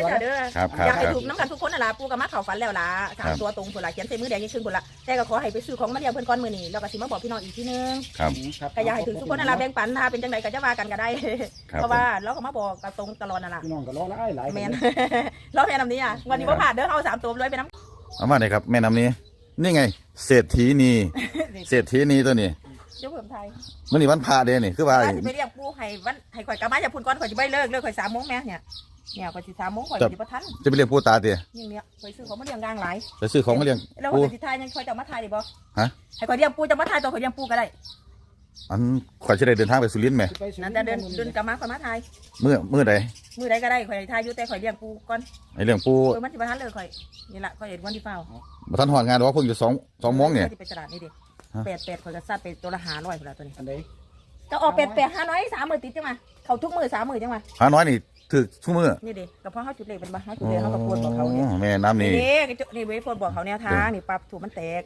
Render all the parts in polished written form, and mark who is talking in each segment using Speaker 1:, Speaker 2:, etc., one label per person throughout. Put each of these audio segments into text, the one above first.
Speaker 1: เด้ออยากให้ถูกน้ำกันทุกคนน่ะล่ะปูกับมาเข่าฝันแล้วล่ะ3 ตัวตรงคนละเขียนใส่มือแดงยิ่งขึ้นคนละแต่ก็ขอให้ไปซื้อของมาเลี้ยงเพื่อนก้อนมือนี่แล้วก็สิมาบอกพี่น้องอีกทีนึงก็อยากให้ถึงทุกคนน่ะล่ะแบ่งปันถ้าเป็นจังไดก็จะว่ากันก็ได้เพราะว่าเราก็มาบอกกับตรงตลอดน่ะล่ะ
Speaker 2: พี่น้องก็รอหลาย
Speaker 1: แม่นรอแม่น้ำนี้อ่ะวันนี้บ่ผ่านเด้อเอา3 ตัวเลยไปน้ำ
Speaker 3: เอามาเลยครับแม่น้ำนี้นี่ไงเศรษฐีนีตัวนี้
Speaker 1: เจ้าเพิ่มไทย
Speaker 3: มื่อนี้วันพระเด้นี่คือว่า
Speaker 1: ไปเรียกปูให้ข่อยกลับมาจะพูนก่อนข่อยจะไม่เลิกข่อย3 โมงแม่เนี่ยข่อยสิ3 โมงข่อยสิบ่ทัน
Speaker 3: จะไปเรียกปูตาเตี้ย
Speaker 1: อย่างเนี้ยข่อยซื้อของมาเลี้ยงกลางหลาย
Speaker 3: จะซื้อของมาเลี้ยง
Speaker 1: แล้วข่อยสิทายยังข่อยจะมาทายได้บ่ฮะให้ข่อยเลี้ยงปูจะมาทายตัวข่อยเลี้ยงปูก็ได้
Speaker 3: อันข่อยจะได้เดินทางไปสุรินทร์ไหม
Speaker 1: นั่นจะเดินกลับมาข่อยมาทาย
Speaker 3: มื้อใด
Speaker 1: ก็ได้ข่อยทายอยู่แต่ข่อยเลี้ยงปูก่อน
Speaker 3: ไอ้เลี้ยงปู
Speaker 1: มันสิบ่ทันเลยข่อยนี่ล่ะข่อยเห็นวันที่เฝ้า
Speaker 3: บ่ทันฮอดงานดอกเพิ่งอยู่2 โมงเนี่ย
Speaker 1: ไปตลาดนี่ดิ88ข่อยก็ซัดไปตัวละ500พุ่นล่ะตัวนี้
Speaker 2: อันใด
Speaker 1: ก็ออก88 500 3 มื้อติดจังมาเข้าทุกมื้อ3 มื้อจังมา
Speaker 3: 500นี่ถึกทุกมื้อ
Speaker 1: นี่ดิก็เพราะเฮาจุดเลขเป็นบ่เฮาจุดเลขเฮาก็ควรบอกเขาเนี่ย
Speaker 3: แม่น้ำนี่
Speaker 1: นี่เว้ยควรบอกเขาแนวทางนี่ปรับถูกมันแตก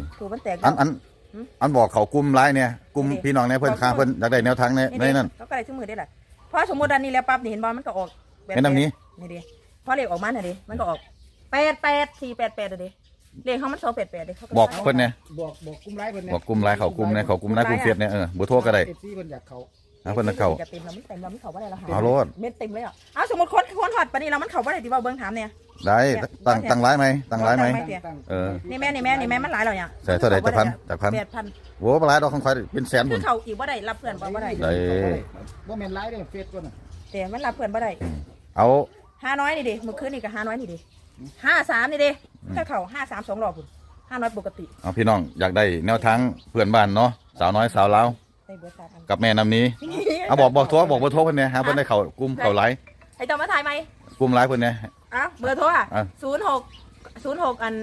Speaker 3: อันบอกเขากลุ่มไลน์เนี่ยกลุ่มพี่น้องเนี่ยเพิ่นค้าเพิ่นอยากได้แนวทางในนั้น
Speaker 1: เขาก็ได้ทุกมื้อได้ล่ะเพราะสมมุติอันนี้แล้วปั๊บนี่เห็นบ่มันก็ออก
Speaker 3: แม่น้ำนี้
Speaker 1: นี่ดิพอเลขออกมาน่ะดิมันก็ออก88 488ดิเลขเขามัน288ดิเขา
Speaker 3: บอกเพิ่นเนี่ย
Speaker 2: บอกกลุ่มไลน์เพิ่นเนี่ย
Speaker 3: บอกกลุ่มไลน์เขากลุ่มเนี่ยเขากลุ่มไลน์กลุ่มเฟซเนี่ยเบอร์โทรก็ได้
Speaker 2: FC เพิ่นอยากเขา
Speaker 3: เพิ่นเข้า
Speaker 1: เต็มแล้วมันเต็มแล้วมันเข้าบ่ได้แล้วหา
Speaker 3: เอาโลด
Speaker 1: เม็ดเต็มเลยอ่ะเอาสมมุติคนฮอดปานนี้แล้วมันเข้าบ่ได้ติว่าเบิ่งถามเนี่ย
Speaker 3: ได้ตั้งไลน์ไหม
Speaker 1: นี่แม่มันหลายแล้วเนี่ย
Speaker 3: ใส่เท่าไหร่จากพัน
Speaker 1: 8,000
Speaker 3: โว้หลายดอกของข่อยเป็นแสนพุ่น
Speaker 1: เขาอีกบ่ได้รับเพื่อนบ่ได้
Speaker 2: บ่แม่นไลน์เด้อเฟซตัวน่ะ
Speaker 1: แต่มันรับเพื่อนบ่ได้
Speaker 3: เอา
Speaker 1: 500นี่ดิเมื่อคืนนี่ก็500นี่ดิ53นี่ดิถ้าเข้า53 2 รอบพุ่น500ปกติ
Speaker 3: เอาพี่น้องอยากได้แนวทางเพื่อนบ้านเนาะสาวน้อยสาวลาวกับแม่น้ำนี้เอาบอกเบอร์โทรเพิ่นเนี่ยฮะเพิ่นได้เข้ากลุ่มเข้าไลน์
Speaker 1: ให้ต้องมาถ่ายไหม
Speaker 3: กลุ่มไลน์เพิ่นเนี่ย
Speaker 1: เบอร์โทรอ่ะ06อัน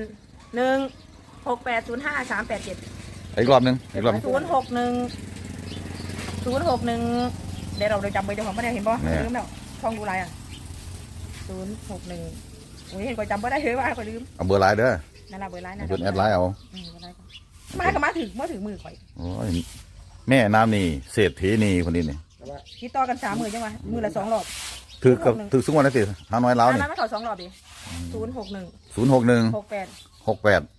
Speaker 1: 16805 387
Speaker 3: อีกรอบนึง
Speaker 1: 061เดี๋ยวเราจำเบอร์เจ้าของไม่ได้เห็นป่ะลืมแล้วช่องดูไลน์อ่ะ061โอ้ยเห็นก็จำไม่ได้เลยว่าก็ลืม
Speaker 3: เอาเบอร์ไลน์เด้อ
Speaker 1: นั่นแหละเบอร์ไลน์นะ
Speaker 3: เบอร์แอดไลน์เอา
Speaker 1: มาถึงมือข่อย
Speaker 3: โอ้ยแม่น้ำนี่เศรษฐีนี่คนนี้นี่
Speaker 1: คิดต่อกัน3 มื้อจังวะมื้อละ2 รอบ
Speaker 3: ถือสุกวันนั่นสิ500 ล้านนี่
Speaker 1: ไม่เข้า2 รอบดิ
Speaker 3: 061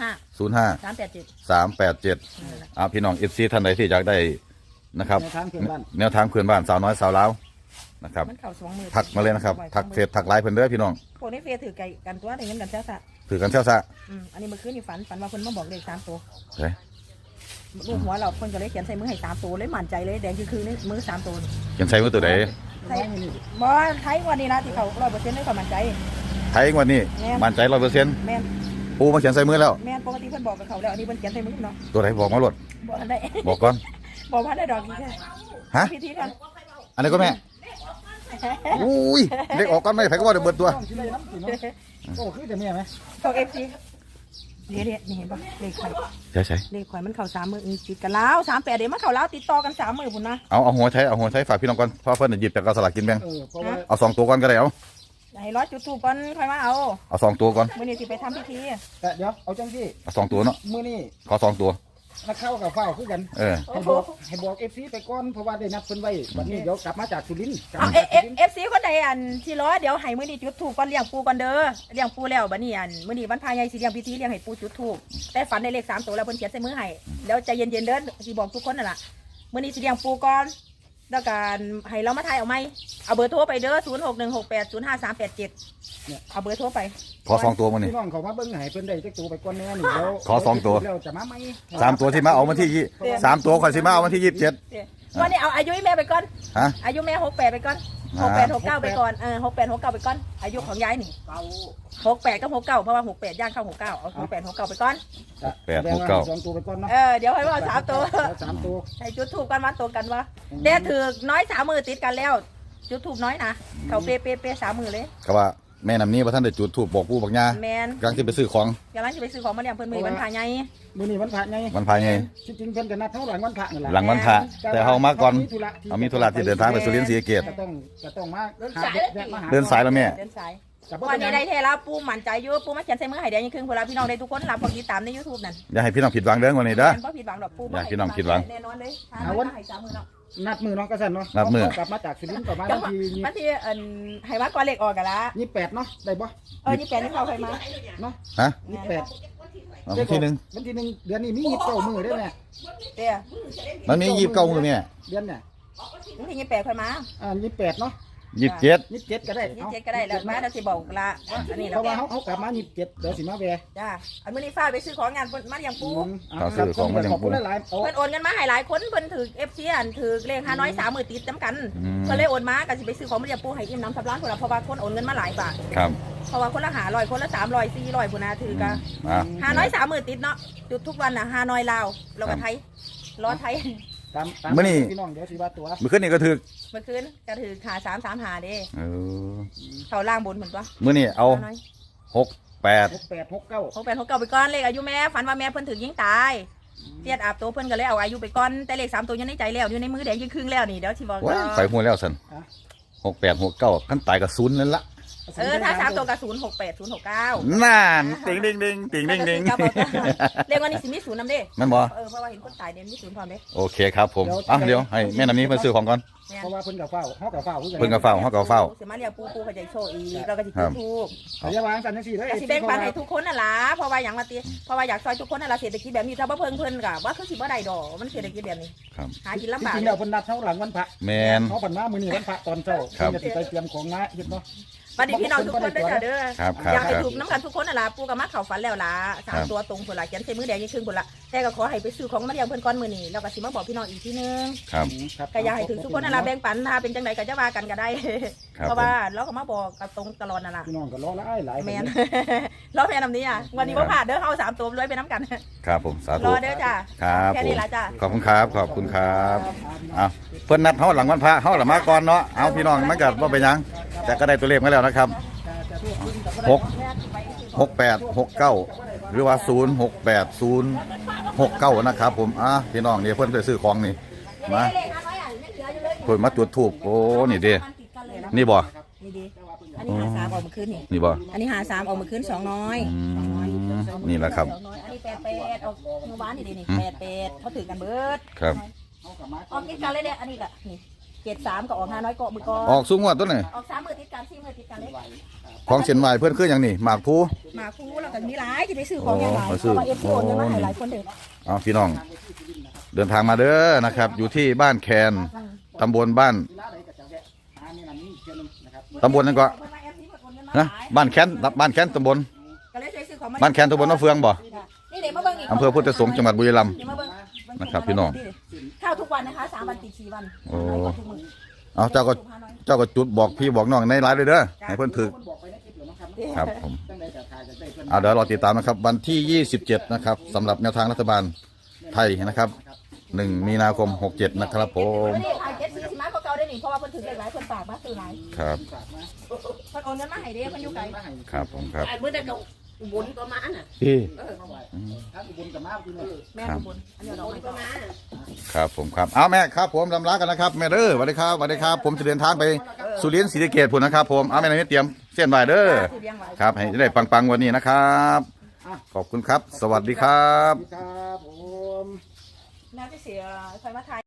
Speaker 3: 387พี่น้องFCท่านใดที่อยากได้นะครับแนวทางเพื่อนบ้านสาวน้อยสาวลาวนะครับทักมาเลยนะครับทักเฟซทักไลน์เพื่อนเด้อพี่น้อง
Speaker 1: พวกนี้เฟซถือไก่กันตัวได้เงินกันเช้าซะ
Speaker 3: ถือกันเช้าซะ
Speaker 1: อันนี้เมื่อคืนนี่ฝันว่าคนมาบอกเลข3 ตัวลูกหัวเราคนก็เลยเขียนใส่มือให้3 ตัวเลยมั่นใจเลยแดงคือนี่มือ3 ตัว
Speaker 3: เขียนใส่มือตัวไหน
Speaker 1: บ่ไทยวันนี้นะที่เขา100%ได้ความมั่นใจ
Speaker 3: ไทยวันนี้มั่นใจ100%
Speaker 1: แม่น
Speaker 3: ปูมาเขียนใส่มือแล้ว
Speaker 1: แม่นปกติเพิ่นบอกกับเขาแล้วอันนี้เพิ่นเขียนใส่มือเนาะ
Speaker 3: ตัวไหนบอกมาหลดบอกก่อน
Speaker 1: บอกว่าได้ดอกนี้
Speaker 3: ฮะ
Speaker 1: พิธีกัน
Speaker 3: อันนี้ก็แม่อุ้ยเด็กออกก่อนไม่ไผก็ว่าเดี๋ยวเบิดตัว
Speaker 2: โอ้คือจะแม่ไหม
Speaker 1: ของ FCนี่เห็นป่ะเลขไข่
Speaker 3: ใช่
Speaker 1: เลขไข่มันเข่า3 มื้อติดกันแล้ว38เดี๋ยวมันเข่าแล้วติดต่อกัน3 มื้อพุ่นนะ
Speaker 3: เอาหัวใช้ฝากพี่น้องก่อนเพราะเพิ่นหยิบจากกระสลักกินแบ่งเอา2 ตัวก่อนก็ได้เอา
Speaker 1: ให้ร้อยจุดถูกก่อนค่อยมา
Speaker 3: เอา2 ตัวก่อน
Speaker 1: มื้อนี้สิไปทำพิธี
Speaker 2: แต่เดี๋ยวเอาจังซี่
Speaker 3: เอา2 ตัวเนาะ
Speaker 2: มื้อนี้
Speaker 3: ขอ2 ตัว
Speaker 2: นักเข้ากับเฝ้าคือกันให้บอก FC ไปก่อนเพราะว่าได้นัดเพิ่นไว้วันนี้เดี๋ยวกลับมาจากสุรินทร์
Speaker 1: FC คนใดอันที่รอเดี๋ยวให้มื้อนี้จุดถูกก่อนเลี้ยงปูก่อนเด้อเลี้ยงปูแล้วบัดนี้อันมื้อนี้วันพายใหญ่สิเลี้ยงพิธีเลี้ยงให้ปูจุดถูกแต่ฝันในเลข3 ตัวแล้วเพิ่นเขียนใส่มือให้แล้วใจเย็นๆเด้อสิบอกทุกคนนั่นล่ะมื้อนี้สิเลี้ยงปูก่อนแล้วการให้เรามาถ่ายเอาไหมเอาเบอร์โทรไปเด้อ0616805387เอาเบอร์โทรไป
Speaker 3: ขอ2 ตัวมานี่
Speaker 2: พี่น้องเขามาเบิ่งให้เพิ่นได้จักตัวไปก่อนแน่นี่แล้ว
Speaker 3: ขอ2 ตัว
Speaker 2: แล้วจะมาไหม
Speaker 3: 3 ตัวที่มาเอามาที่3 ตัวข่อยสิมาเอามาที่27
Speaker 1: วันนี้เอาอายุแม่ไปก่อน
Speaker 3: ฮะ
Speaker 1: อายุแม่68ไปก่อน68 69ไปก่อน68 69ไปก่อนอายุของยายนี่68กับ69เพราะว่า68ย่างเข้า69เอา68 69ไปก่อน
Speaker 3: 8 69
Speaker 2: 2 ตัวไปก่อนเนาะ
Speaker 1: เดี๋ยวให้ว่า3 ตัว
Speaker 2: 3 ตัว
Speaker 1: ให้จุดถูกกันมาตัวกันวะเด็ดถือน้อย3 มื้อติดกันแล้วจุดถูกน้อยนะเขาเป๊ะ3 มื้อเลย
Speaker 3: ก็ว่าแม่น้ำนี้ว่าท่านได้จุดถูกบอกปู่บอกย่า
Speaker 1: แม่น
Speaker 3: กำลังจะไปซื้อของ
Speaker 1: มาเลี้ยงเพิ่นมื้อวันพระใหญ่
Speaker 2: มื้อนี้วันพระใหญ่จริงๆเพิ่นก็นัดเท่าหลังวันพระนั่นแหละ
Speaker 3: หลังวันพระแต่เฮามาก่อนเอามีธุระที่เดินทางไปสุรินทร์ศรีสะเกษ
Speaker 2: ก็ต้องมา
Speaker 3: เดินสายแล้วแม่
Speaker 1: เดินสายวันนี้ได้เทแล้วปูมั่นใจอยู่ปูมาเขียนใส่มือให้แดงยังครึ่งเวลาพี่น้องได้ทุกคนรับพอติดตามใน YouTube นั่น
Speaker 3: อย่าให้พี่น้องผิดหวังเด้อวันนี้เด้อ
Speaker 1: บ่ผิดหวังดอกปู
Speaker 3: อย่าให้พี่น้องผิดหวัง
Speaker 1: แน่นอนเลย
Speaker 2: นัดมือเนาะกระสันเนาะ
Speaker 3: นัดมื้อ
Speaker 2: กลับมาจากสุรินทร์ประมาณวันที่
Speaker 1: วันที่ให้มาก่อนเลขออกกันละ
Speaker 2: 28เนาะได้บ่
Speaker 1: 28นี่เข้าใครมา
Speaker 2: เนาะ
Speaker 3: ฮะ
Speaker 2: 28
Speaker 3: เอาวันที่หนึ่ง
Speaker 2: วันที่1เดือนนี้มี29มื้อได้ไหม
Speaker 1: เดี๋ยว
Speaker 3: มันมี29มื้อเนี่ย
Speaker 2: เดือนเนี่ย
Speaker 1: วันที่28ค่อยมา
Speaker 2: 28เนาะ
Speaker 3: 27
Speaker 2: 27ก็ได้
Speaker 1: 27ก็ได้แล้วมาเดี๋ยวสิบอกละอันนี้
Speaker 2: เพ
Speaker 1: เรา
Speaker 2: ราะว่าเขากลับมา27เดี๋ยวสิมาแวะ
Speaker 1: จ้าอันมื้อนี้ฟ้าไปซื้อของงานมาเลี้ยงปู
Speaker 2: ขอบคุณหลายๆ
Speaker 1: เพิ่นโอนเงินมาให้หลายคนเพิ่นถือ FC อันถือเลข5น้อย3มื้อติดจำกันเพิ่นเลยโอนมาก็สิไปซื้อของมาเลี้ยงปูให้อิ่มน้ำสำราญพุ่นล่ะเพราะว่าคนโอนเงินมาหลายบาท
Speaker 3: ครับ
Speaker 1: เพราะว่าคนละ500คนละ300 400พุ่นน่ะถือก็
Speaker 3: อ่า
Speaker 1: 5น้อย3มื้อติดเนาะจุดทุกวันน่ะ5น้อยลาวแล้วก็ไทยล้อไทย
Speaker 2: ตามพี่น้องเดี๋ยวสิว่าตัว
Speaker 3: มื้อคืนนี้ก็ถึก
Speaker 1: เมื่อคืนก็ถือขา335เด้
Speaker 3: เออ
Speaker 1: เขาล่างบนเหมือนปะ
Speaker 3: มื้อนี้เอา
Speaker 1: น้อย
Speaker 3: 68
Speaker 2: 68 69
Speaker 1: 68 69ไปก่อนเลขอายุแม่ฝันว่าแม่เพิ่นถึงยิงตายเทียดอาบตัวเพิ่นก็เลยเอาอายุไปก่อนแต่เลข3ตัวอยู่ในใจแล้วอยู่ในมือแดงยิ่งครึ่งแล้วนี่เดี๋ยวสิบอก
Speaker 3: ว้ายไปหัวแล้วสัน68 69ขั้นตายกับศูนย์นั่นละ
Speaker 1: ถ้า3ตัวก็068 069
Speaker 3: นั่นติงดิงดิงติงดิงดิง
Speaker 1: เลขวันนี้สิมี0นำเด้
Speaker 3: แม่นบ่
Speaker 1: เพราะว่าเห็นคนตายเด่นมี0พร้อมเด้
Speaker 3: โอเคครับผมอ่ะเดี๋ยวให้แม่น้ำนี้มาซื้อของก่อน
Speaker 2: เพราะว่าเพิ่นกับเฝ้าเฮากับเฝ้าคือกัน
Speaker 3: เพิ่นก็เฝ้าเฮาก็เฝ้า
Speaker 1: สิมาเรียกปูเขาจะโชว์อีกเราก็สิจุดทูบ
Speaker 2: อย่าวางกันจังซี่เด้อ
Speaker 1: ก็สิแบ่งปันให้ทุกคนน่ะล่ะเพราะว่าหยังว่าติเพราะว่าอยากซอยทุกคนน่ะล่ะเศรษฐกิจแบบนี้ถ้าบ่เพิ่งเพิ่นก็ว่าคือสิบ่ได้ดอกมันเศรษฐกิจแบบนี้
Speaker 3: ครับ
Speaker 1: หากินลำ
Speaker 2: จ
Speaker 1: บาก
Speaker 2: ริงๆแล้วเพิ่นนัดเฮาหลังวันพระ
Speaker 3: แมน
Speaker 2: เฮาผ่านมามื้อนี้วันพระตอนเช้า
Speaker 3: ครับ
Speaker 2: เพิ่นจะสิไปเตรียมของมาเฮ็ดเนาะ
Speaker 1: บัดนี้พี่น้องทุกคนเด้อจ้ะเด้อ
Speaker 3: ครับครับ
Speaker 1: อยากให้
Speaker 3: ครับ
Speaker 1: ถูกน้ำกันทุกคนน่ะล่ะปู่ก็มาเข้าฝันแล้วล่ะ
Speaker 3: ครั
Speaker 1: สาม
Speaker 3: บ
Speaker 1: ตัวตรงพุ่นล่ะเขียนใส่มือแดงยี่ครึ่งพุ่นล่ะแต่ก็ขอให้ไปซื้อของมาเลี้ยงเพิ่นก่อนมื้อนี้แล้วก็สิมาบอกพี่น้องอีกทีนึง
Speaker 3: ครับ
Speaker 2: ครับ
Speaker 1: ก็อยากให้ถึงทุกคนน่ะล่ะแบ่งปันถ้าเป็นจังไดก็จะว่ากันก็ได้
Speaker 3: ครับ
Speaker 1: เพราะว่าเราก็มาบอกกับตรงตลอดน่ะล่ะ
Speaker 2: พี่น้องก็รอหลาย
Speaker 1: แม่น รอแม่นำนี้อ่ะวันนี้บ่พลาดเด้อเฮา3ตัวรวยไปน้ำกัน
Speaker 3: ครับผมสาร ธุ
Speaker 1: อเด้อจ้ะ
Speaker 3: ครับ
Speaker 1: แค่
Speaker 3: ผม
Speaker 1: นี้ล่ะจ้ะ
Speaker 3: ขอบคุณครับขอบคุณครับเอาเพิ่นนัดเฮาหลังวันพระเฮาละมาก่อนเนาะเอาพี่น้องมันก็บ่เป็นหยังแต่ก็ได้ตัวเลขมาแล้วนะครับ6869หรือว่า068069นะครับผมพี่น้องนี่เพิ่นไปซื้อของนี่มาเพิ่นมาจุดธูปโอ้นี่เด้นี่บ่
Speaker 1: นี่ดีอันนี้หา3ออกมาคืนนี่
Speaker 3: นี่บ่
Speaker 1: อันนี้หา3ออกมาคืน2น้อย
Speaker 3: นี่แหละครับ
Speaker 1: 2น้อยอันนี้88ออกเมื่อวานนี่ดินี่88เขาถือกันเบิด
Speaker 3: ครับ
Speaker 1: ออกติดกันเลยเนี่ยอันนี้ก็นี่73ก็ออก5น้อยเกาะมือก่อน
Speaker 3: ออกสูงกว่าตัวนี่
Speaker 1: ออก3มื้อติดกัน4มื้อติดกันเลย
Speaker 3: ของเส้นไหว้เพิ่นคือหยังนี่หมากภู
Speaker 1: มาคูแล้วก็มีหลายจะไปซื้อของอย่างไร
Speaker 3: อ๋อ
Speaker 1: เพราะว่าเอฟซีโอนเงินมาให้หลายคนเด้อ
Speaker 3: เอาพี่น้อง เดินทางมาเด้อนะครับ อยู่ที่บ้านแคนตำบลบ้านตำบลนั่นก็นะบ้านแคนตำบล
Speaker 1: ก็เลยช่วยซื้อของมา
Speaker 3: บ้านแคนตำบลมะเฟืองบ่
Speaker 1: นี่เดี๋ยวมาเบิ่งอีก
Speaker 3: อำเภอพุทธสงฆ์จังหวัดบุรีรัมย์
Speaker 1: เดี๋ยวมาเบิ่ง
Speaker 3: นะครับพี่น้อง
Speaker 1: ข้าวทุกวันนะคะ3วันติด4วัน
Speaker 3: โอ้เอาเจ้าก็จุดบอกพี่บอกน้องในไลน์เลยเด้อให้เพิ่นถือครับผมเอาเดี๋ยวรอติดตามนะครับ วันที่ 27 นะครับสำหรับแนวทางรัฐบาลไทยนะครับ1 มีนาคม 67 นะครับผม
Speaker 1: นี่ถ่ายเจ็ดสีสิมาเก่าๆได้นี่เพราะว่าเพิ่นถือหลายคนฝากมาซื้อหลาย
Speaker 3: ครับ
Speaker 1: เพิ่นโอนเงินมาให้เด้เพิ่นอยู่ไกล
Speaker 3: ครับผมครับ
Speaker 4: ไอ้มื้อนั้นก็บุญก็มาน่ะ
Speaker 3: พี่
Speaker 2: ถ้าอุบลกับมาพี่น้อง
Speaker 1: แม่อุบลอันนี้เรา
Speaker 4: บุญ
Speaker 1: ให้
Speaker 4: ก็
Speaker 1: ก่อน
Speaker 4: มา
Speaker 3: ครับผมครับเอาแม่ครับผมลำลากันนะครับแม่เด้อสวัสดีครับสวัสดีครับ ผมจะเดินทางไปสุรินทร์ศรีสะเกษพุ่นนะครับผมเอาแม่นายเตรียมเส้นใบเด้อ
Speaker 1: ที่เลี้ยงไว้
Speaker 3: ครับให้ได้ปังๆวันนี้นะครับขอบคุณครับ สวัสดีครับ
Speaker 2: ครับผม
Speaker 1: น่าจะเสียใครมาถ่าย